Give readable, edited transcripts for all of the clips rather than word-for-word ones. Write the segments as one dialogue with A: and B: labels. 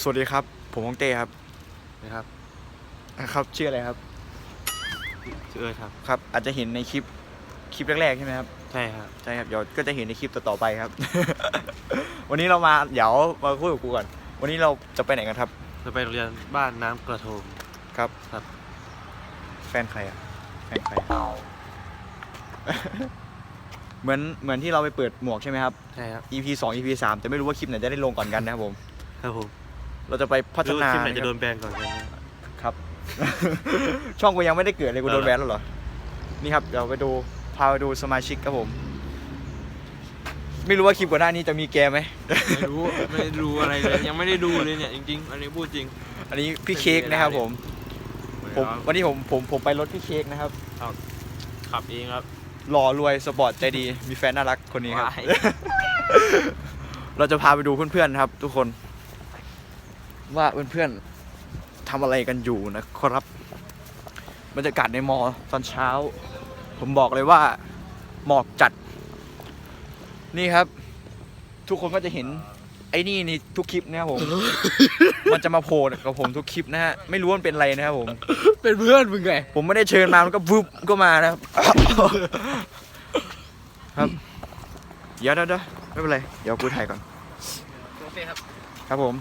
A: วัสดีครับผมฮงเต้ครับ
B: นะครับ
A: ครับชื่ออะไรครับ
B: ชื่อเอิร์ธครับ
A: ครับอาจจะเห็นในคลิปแรกๆใช่ไหมครับ
B: ใช่ครับ
A: ใช่ครับเดี๋ยวก็จะเห็นในคลิปต่อๆไปครับ วันนี้เรามาเดี๋ยวมาคุยกับกูก่อนวันนี้เราจะไปไหนกันครับ
B: จะไปโรงเรียนบ้านน้ำกระโทม
A: ครับ
B: ครับ
A: แฟนใครอ่ะแฟนใคร เหมือนที่เราไปเปิดหมวกใช่ไหมครับ
B: ใช่ครับ
A: EP 2 EP 3แต่ไม่รู้ว่าคลิปไหนจะได้ลงก่อนกันนะครับผม
B: ครับผม
A: เราจะไปพัฒนา
B: คลิปไหนจะโดนแบนก่อนกันนะครับ
A: ช่องกูยังไม่ได้เกิดเลยกูโดนแบนแล้วเหรอนี่ครับเดี๋ยวไปดูพาไปดูสมาชิกครับผมไม่รู้ว่าคลิปก่อนหน้านี้จะมีแกไหม
B: ไม่รู้อะไรเลยยังไม่ได้ดูเลยเนี่ยจริงๆอันนี้พูดจริง
A: อันนี้พี่เค้กนะครับผมวันนี้ผมไปรถพี่เค้กนะครับ
B: ขับเองครับ
A: หล่อรวยสปอร์ตใจดีมีแฟนน่ารักคนนี้ครับ เราจะพาไปดูเพื่อนๆครับ ทุกคนว่าเพื่อนๆทำอะไรกันอยู่นะครับบรรยากาศในมอตอนเช้าผมบอกเลยว่าหมอกจัดนี่ครับทุกคนก็จะเห็นไอ้นี่ในทุกคลิปนะครับผม มันจะมาโผล่กับผมทุกคลิปนะฮะไม่รู้ว่ามันเป็นอะไรนะครับผม
B: เป็นเพื่อนมึงไง
A: ผมไม่ได้เชิญมามันก็วึบก็มานะครับ ครับเดี๋ยวไม่เป็นไรเดี๋ยวกูถ่ายก่อน
B: โอเคครับ
A: ครับผม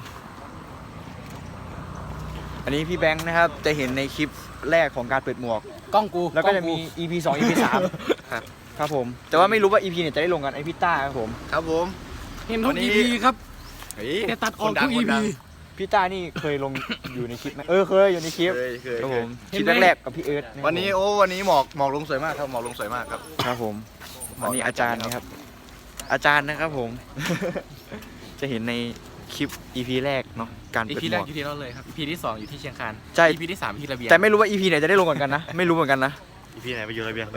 A: อันนี้พี่แบงค์นะครับจะเห็นในคลิปแรกของการเปิดหมวก
B: กล้องกู
A: แล้วก็จะมี EP 2 EP 3ครับผมแต่ว่าไม่รู้ว่า EP เนี่ยจะได้ลงกันไอพี่ต้าครับผม
B: ครับผมเห็นทุก EP ครับแต่ตัดออกทุก EP
A: พี่ต้านี่เคยลงอยู่ในคลิปไหมเคยอยู่ในคลิปครับผมคลิปแรกๆกับพี่เอิร์ธ
C: วันนี้หมอกลงสวยมากครับหมอกลงสวยมากครับ
A: ครับผมอันนี้อาจารย์นะครับอาจารย์นะครับผม จะเห็นในคลิป EP แรกเนาะการเปิดหมวก
B: EP แรกอยู่ที่นั่นเลยครับ EP ที่2อยู่ที่เชียงคาน
A: ใช่
B: EP ที่3ที่ระเบียง
A: แต่ไม่รู้ว่า EP ไหนจะได้ลงก่อนกันนะไม่รู้เหมือนกันนะ
B: EP ไหนไปอยู่ระเบียง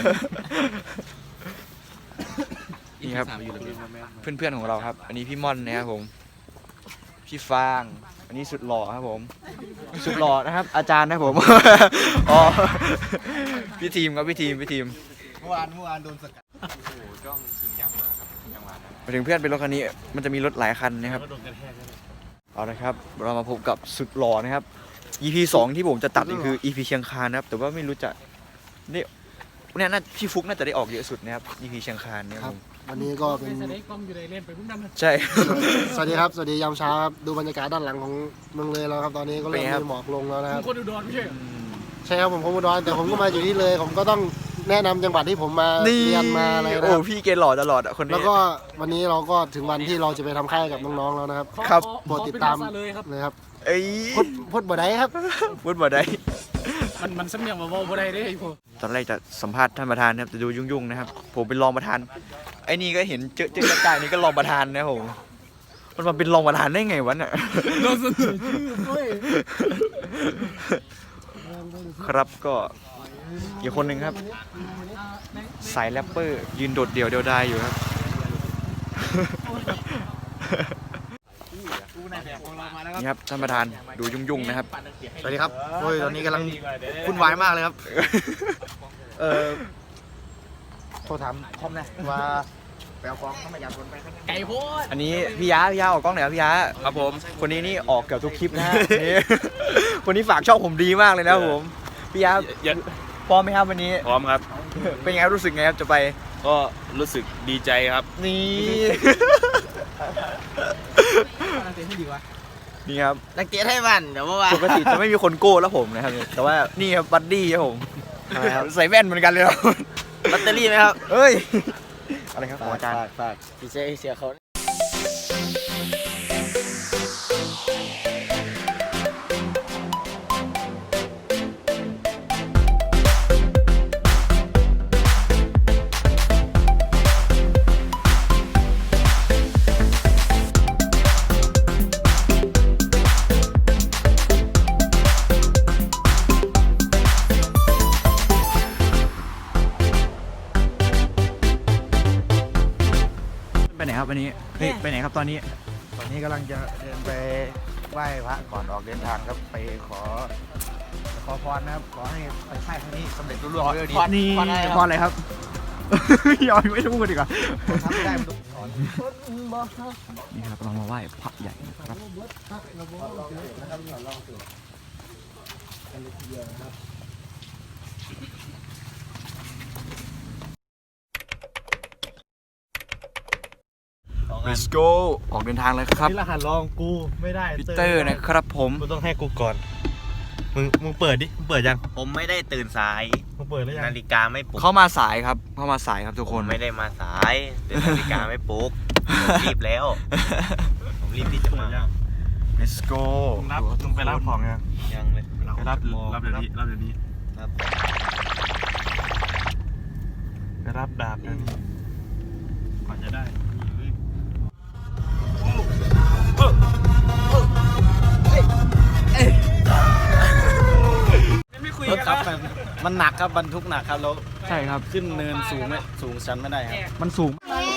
A: นี่ครับเพื่อนๆของเราครับอันนี้พี่ม่อนนะครับผมพี่ฟางอันนี้สุดหล่อครับผมสุดหล่อนะครับอาจารย์นะครับผม อ๋อพี่ทีมครับพี่ทีม
C: เมื่อวานโดนสกัด
A: โอ้โหจ้องจริงจังมากครับจังหวะนั้นมาถึงเพื่อนเป็นรถคันนี้มันจะมีรถหลายคันนะครับเอาละครับเรามาพบกับสุดหล่อนะครับ EP 2ที่ผมจะตัดนี่คือ EP เชียงคานนะครับแต่ว่าไม่รู้จะเนี่ยน่าพี่ฟุกน่าจะได้ออกเยอะสุดนะครับ EP เชียงคานเนี่ยผม
C: วันนี้ก็เป็น
A: ใช่
C: สวัสดีครับสวัสดียามเช้าครับดูบรรยากาศด้านหลังของเมืองเลยแล้วครับตอนนี้ก็เริ่มมีหมอกลงแล้วนะครับ
D: คนอุดรไม่ใช่
C: ใช่ครับผมคนอุดรแต่ผมก็มาอยู่ที่เลยผมก็ต้องแนะนำจังหวัดที่ผมมาเรียนมาอะไรนะ
A: โอ้พี่เกณฑ์หล่อตลอดอ่ะคนนี้
C: แล้วก็วันนี้เราก็ถึงวันที่เราจะไปทำค่ายกับน้องๆแล้วนะครับ
A: ครับ
C: โปรดติดตามเลยครับ
A: เอ้ย
C: พูดบ่ได้ครับ
A: พูดบ่ได้
D: มันสำเนียงว่าบ่ได้เด้ไอ้พวก
A: ตอนแรกจะสัมภาษณ์ท่านประธานนะครับจะดูยุ่งๆนะครับผมเป็นรองประธานไอ้นี่ก็เห็นเจอใกล้ๆนี่ก็รองประธานนะผมมันมาเป็นรองประธานได้ไงวะเนี่ยครับก็อีกคนหนึ่งครับสายแรปเปอร์ยืนโดดเดี่ยวเดียวดายอยู่ครับนี่ครับท่านประธานดูยุ่งๆนะครับ
C: สวัสดีครับโอ้ยตอนนี้กำลังวุ่นวายมากเลยครับโทรถามคอมนะว่าไปเอาของต้องมาอยากคนไปไก่โพด
A: อันนี้พี่ยาออกกล้องไหนครับพี่ยา
B: ครับผม
A: คนนี้นี่ออกเกือบทุกคลิปนะฮะคนนี้ฝากช่องผมดีมากเลยนะครับผมพี่ยาพร้อมไหมครับวันนี้
B: พร้อมครับ
A: เป็นไงรู้สึกไงครับจะไป
B: ก็รู้สึกดีใจครับ
A: นี่นี่ครับ
B: นักเตะให้มันเดี๋ยวว่า
A: ปกติจะไม่มีคนโก้แล้วผมนะครับแต่ว่านี่ครับบัดดี้ครับผมใส่แว่นเหมือนกันเลยครับ
B: แบตเตอรี่ไหมครับ
A: เฮ้ยอะไรครับอาจารย์
B: ฝากพี่เสียเขา
A: ไปไหนครับวันนี้ไปไหนครับตอนนี้
C: กำลังจะเดินไปไหว้พระก่อนออกเดินทางครับไปขอพรนะครับขอให้ค่ายครั้งนี้สำเร็จรุ่งเรืองด้วยดี
A: นี่พรอะไรครับยอมไม่พูดดีกว่า
C: ทำไม่ได้
A: นี่ครับเรามาไหว้พระใหญ่นะครับLet's go ออกเดินทางเลยครับ
C: นี่รหัสลองกูไม่ได้
A: พีเตอร์นะครับผม
C: กูต้องให้กูก่อนมึงเปิดดิมึงเปิดยัง
E: ผมไม่ได้ตื่นสาย
C: มึงเปิดแล้วยัง
E: นาฬิกาไม่ปลุก
A: เข้ามาสายครับเข้ามาสายครับทุกคน
E: ไม่ได้มาสายแต่นาฬิกาไม่ปลุกผมรีบแล้ว ผมรีบที่จะมา
A: Let's go
C: มึงไปรับของยัง
E: ยังเลย
C: ไปรับเดี๋ยวนี้รับเดี๋ยวนี้
E: ครับ
C: ไปรับดาบเดี๋ยวนี้ก่อนจะได้
B: รถครับมันหนักครับบรรทุกหนักครับแล้ว
A: ใช่ครับ
B: ขึ้นเนินสูงไหมสูงชันไม่ได้ครับ
A: มันสูง
F: แม่